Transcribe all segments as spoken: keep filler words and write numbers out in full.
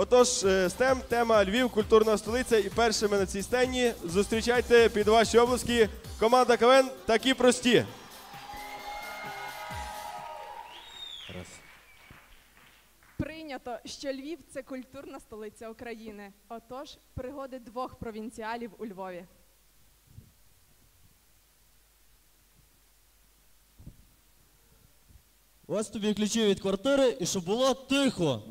Отож, стем, тема Львів, культурна столиця, і першими на цій сцені зустрічайте під ваші обласки команда КВН «Такі прості». Раз. Прийнято, що Львів – це культурна столиця України. Отож, пригоди двох провінціалів у Львові. Ось тобі ключі від квартири, і щоб було тихо.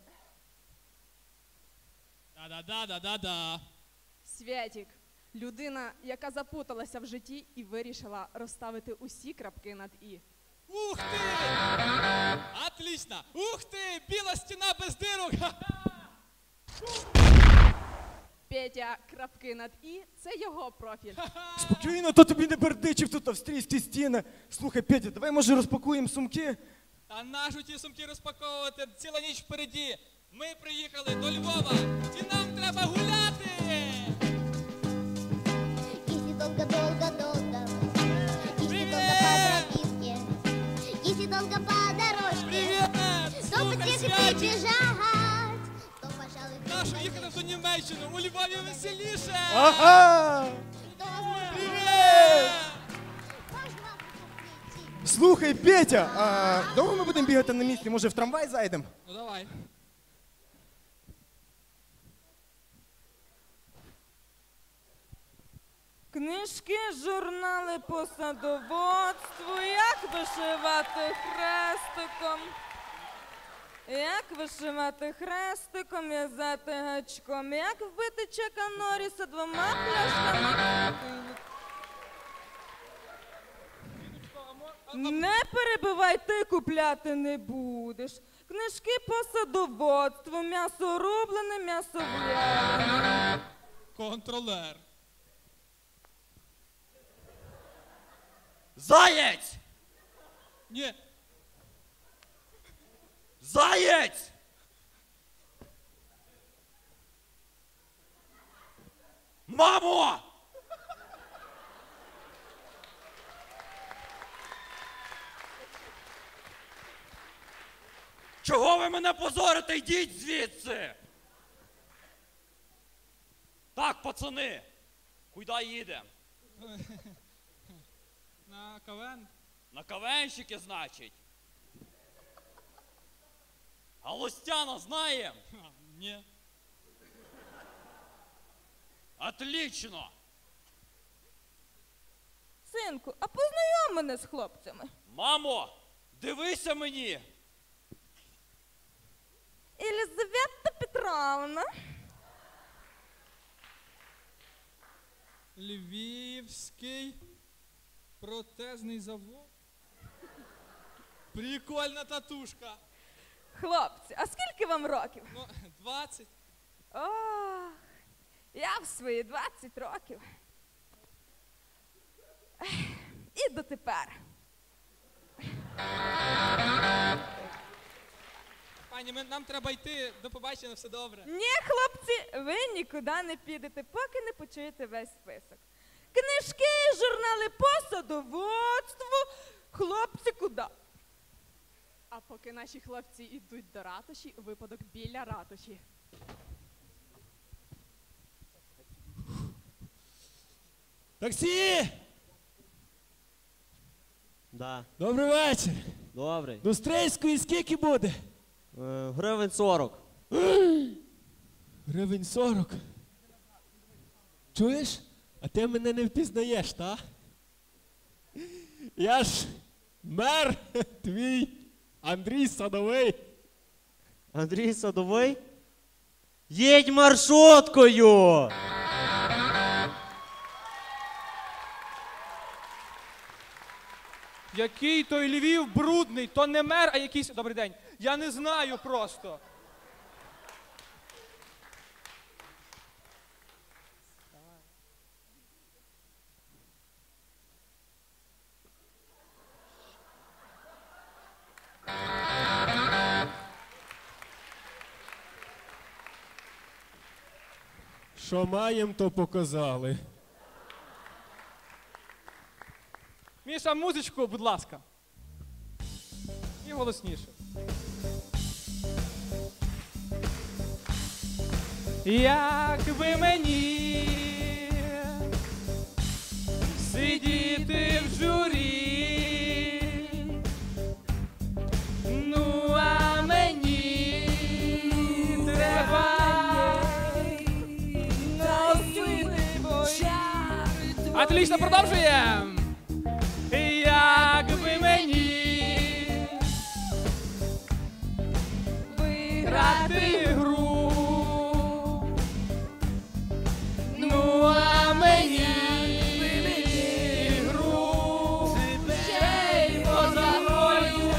Да-да-да-да-да-да. Святік – людина, яка запуталася в житті і вирішила розставити усі крапки над «і». Ух ти! Отлично! Ух ти! Біла стіна без дирок! Петя – крапки над «і» – це його профіль. Спокійно, то тобі не бердичив тут австрійські стіни. Слухай, Петя, давай, може, розпакуємо сумки? А нашу ті сумки розпаковувати? Ціла ніч впереді. Ми приїхали до Львова і нам треба гуляти! Если долго-долго-долго, если долго по тропинке, если долго по дорожке, Привіт! то Слухай, потихо Святік! бежать, то, пожалуй, Нашу їхати в ту Німеччину, у Львові веселіше! Ага! то, возможно, Привіт! можно прийти. Слухай, Петя, а довго ми будемо бігати на місці? Може, в трамвай зайдемо? Ну давай. Книжки, журнали по садоводству, як вишивати хрестиком. Як вишивати хрестиком, в'язати гачком, як вбити Чака Норріса двома пляшками. Не перебивай, ти купляти не будеш. Книжки по садоводству, м'ясо рублене, м'ясо в'ялене. Контролер. Заєць! Ні. Заєць! Мамо! Чого ви мене позорите? Йдіть звідси! Так, пацани, куди їдемо? На КВН? На кавенщики, значить. А Лостяна знаєм? Ха, ні. Отлично! Синку, а познайом мене з хлопцями. Мамо, дивися мені! Елізавета Петровна. Львівський протезний завод. Прикольна татушка. Хлопці, а скільки вам років? Ну, двадцять. Ох, я в свої двадцять років. Ех, і дотепер. Пані, ми, нам треба йти. До побачення, все добре. Ні, хлопці, ви нікуди не підете, поки не почуєте весь список. Книжки, журнали по садоводству. Хлопці, куди? А поки наші хлопці йдуть до ратуші, випадок біля ратуші. Таксі! Да, Добрий вечір. добрий. До Стрийської скільки буде? Е, Гривень сорок. Гривень сорок. Чуєш? А ти мене не впізнаєш, та? Я ж мер твій Андрій Садовий. Андрій Садовий? Їдь маршруткою! Який той Львів брудний, то не мер, а якийсь... Добрий день. Я не знаю просто. Що маєм, то показали. Міша, музичку, будь ласка. І голосніше. Як би мені сидіти в журі, ну а мені треба носити боя. Отлично, продовжуємо. Як би мені виграти гру, ну а мені гру ще й позагою,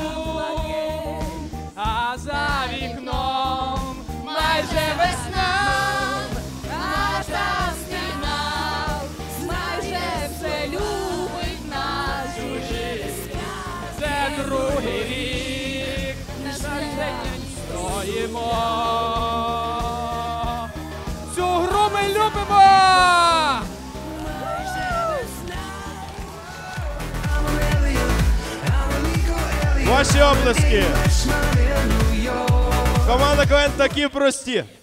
а за вікном майже весна, наша стіна, майже все любить нас чужих. Це другий рік, не день стоїмо. Цю гру ми любимо! Ваші облески. Команда КВН такі прості.